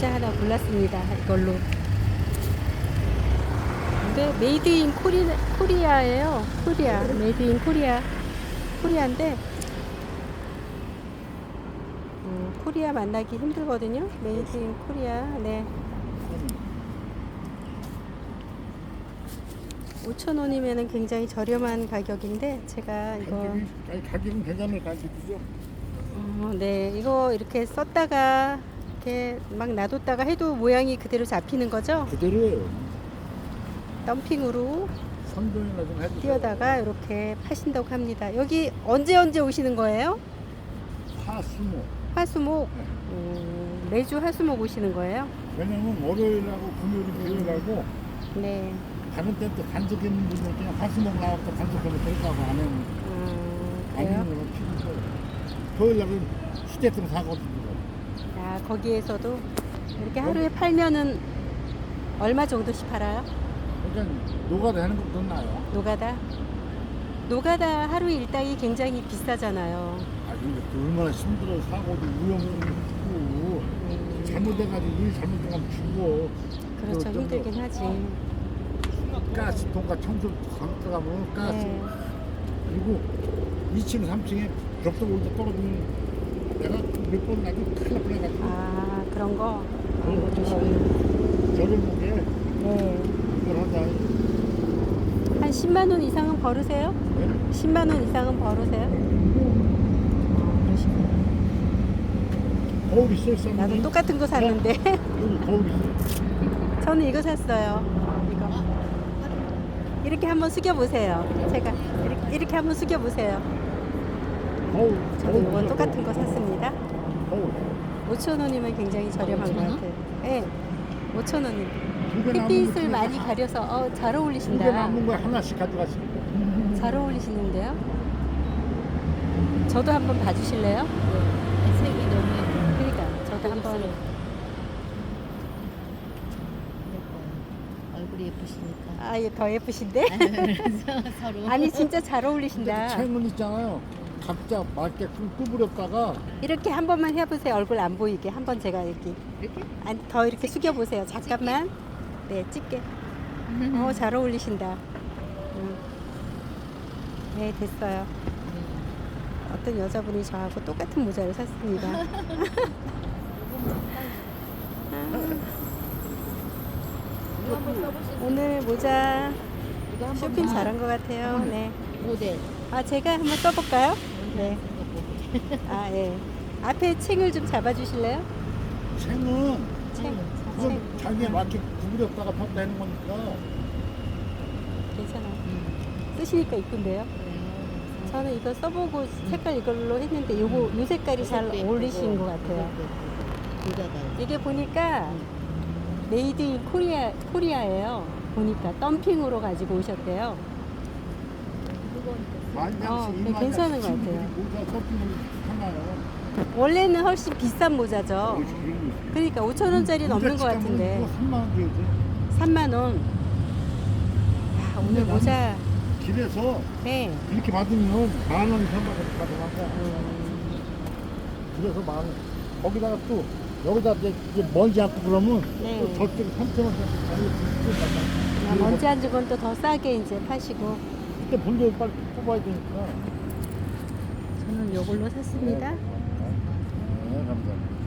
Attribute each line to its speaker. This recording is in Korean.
Speaker 1: 모자 하나 골랐습니다. 이걸로. 근데 메이드 인 코리아예요. 코리아. 메이드 인 코리아인데 코리아 만나기 힘들거든요. 메이드 인 코리아. 네. 5,000원이면 굉장히 저렴한 가격인데 제가 이거
Speaker 2: 가격은 괜찮을 가격이죠.
Speaker 1: 네, 이거 이렇게 썼다가 이렇게 막 놔뒀다가 해도 모양이 그대로 잡히는 거죠?
Speaker 2: 그대로예요.
Speaker 1: 덤핑으로
Speaker 2: 선동이나 좀 해주세요.
Speaker 1: 띄어다가 이렇게 파신다고 합니다. 여기 언제 오시는 거예요?
Speaker 2: 화수목.
Speaker 1: 화수목. 매주 화수목 오시는 거예요?
Speaker 2: 왜냐면 월요일하고 금요일이 매일하고
Speaker 1: 네.
Speaker 2: 다른 때또 간섭 있는 분들 그냥 화수목 나와서 간섭하면 될까고 안 하면 안
Speaker 1: 그래요?
Speaker 2: 하는 건 필요해요. 토요일 날은 휴대폰 사거든요.
Speaker 1: 아, 거기에서도 이렇게 하루에 팔면은 얼마 정도씩 팔아요?
Speaker 2: 그러니까 노가 되는 것도 나요.
Speaker 1: 노가다? 노가다 하루 일당이 굉장히 비싸잖아요.
Speaker 2: 아 근데 또 얼마나 힘들어. 사고도 위험하고 잘못돼가지고 일 잘못하면 죽어.
Speaker 1: 그렇죠. 힘들긴 하지.
Speaker 2: 가스통과 청소 들어가면 가스.
Speaker 1: 네.
Speaker 2: 그리고 2층 3층에 벽돌 올때 떨어지면 내가 몇 번 나도 큰일 날 뻔해가지고
Speaker 1: 아, 그런 거?
Speaker 2: 그런 거
Speaker 1: 조심히.
Speaker 2: 저렴하게
Speaker 1: 네.
Speaker 2: 이걸 하자.
Speaker 1: 한 10만 원 이상은 벌으세요?
Speaker 2: 네?
Speaker 1: 10만 원 이상은 벌으세요? 그러시구나.
Speaker 2: 거울 있어요, 쌤?
Speaker 1: 나도 똑같은 거 샀는데.
Speaker 2: 여기 거울 있어요.
Speaker 1: 저는 이거 샀어요. 이거. 이렇게 한번 숙여보세요. 제가 이렇게 한번 숙여보세요.
Speaker 2: 거울.
Speaker 1: 저도 이거 똑같은 거 샀습니다.
Speaker 2: 거울.
Speaker 1: 5,000원이면 굉장히 저렴한 것 같아요. 네. 5,000원이.
Speaker 2: 두개 남은
Speaker 1: 햇빛을
Speaker 2: 거
Speaker 1: 많이 가려서 잘
Speaker 2: 두개
Speaker 1: 어울리신다.
Speaker 2: 남은 거 하나씩 가져가시고.
Speaker 1: 잘 어울리시는데요? 저도 한번 봐주실래요?
Speaker 3: 색이 너무 예뻐요.
Speaker 1: 그러니까 저도 한번.
Speaker 3: 예뻐요. 얼굴이 예쁘시니까.
Speaker 1: 아, 얘 더 예쁘신데?
Speaker 3: 그래서 서로.
Speaker 1: 아니 진짜 잘 어울리신다.
Speaker 2: 책은 있잖아요. 각자 맞게 구부렸다가
Speaker 1: 이렇게 한 번만 해보세요. 얼굴 안 보이게. 한번 제가 이렇게
Speaker 3: 이렇게?
Speaker 1: 아니, 더 이렇게 숙여보세요. 잠깐만. 네, 찍게. 잘 어울리신다. 네, 됐어요. 어떤 여자분이 저하고 똑같은 모자를 샀습니다.
Speaker 3: 이거 한번 써보시죠.
Speaker 1: 오늘 모자
Speaker 3: 이거 한번
Speaker 1: 쇼핑 잘한 것 같아요. 네.
Speaker 3: 모델.
Speaker 1: 아, 제가 한번 써볼까요? 네. 아, 예. 앞에 챙을 좀 잡아주실래요?
Speaker 2: 책은
Speaker 1: 챙.
Speaker 2: 그건 자기에 맞게 구부렸다가 폈다 하는 거니까.
Speaker 1: 괜찮아요. 쓰시니까 이쁜데요? 저는 이거 써보고 색깔 이걸로 했는데 요 색깔이 잘 어울리시는 것 같아요. 이게 보니까 메이드 인 코리아예요. 보니까 덤핑으로 가지고 오셨대요.
Speaker 2: 만장씩
Speaker 1: 네, 괜찮은 것 같아요.
Speaker 2: 모자 서핑을 하나요.
Speaker 1: 원래는 훨씬 비싼 모자죠. 그러니까 5,000원짜리 넘는 것 같은데
Speaker 2: 3만 원 줘야지.
Speaker 1: 3만 원. 야, 오늘 모자.
Speaker 2: 길에서
Speaker 1: 네.
Speaker 2: 이렇게 받으면 만 원 이상 받아가고. 그래서 만 원. 거기다가 또 여기다 이제 먼지 않고 그러면
Speaker 1: 네.
Speaker 2: 또 저쪽에 3,000원짜리 가격
Speaker 1: 먼지 안 주건 또 더 싸게 이제 파시고.
Speaker 2: 그때 본전 빨리 뽑아야 되니까.
Speaker 1: 저는 요걸로 샀습니다.
Speaker 2: 네, 감사합니다.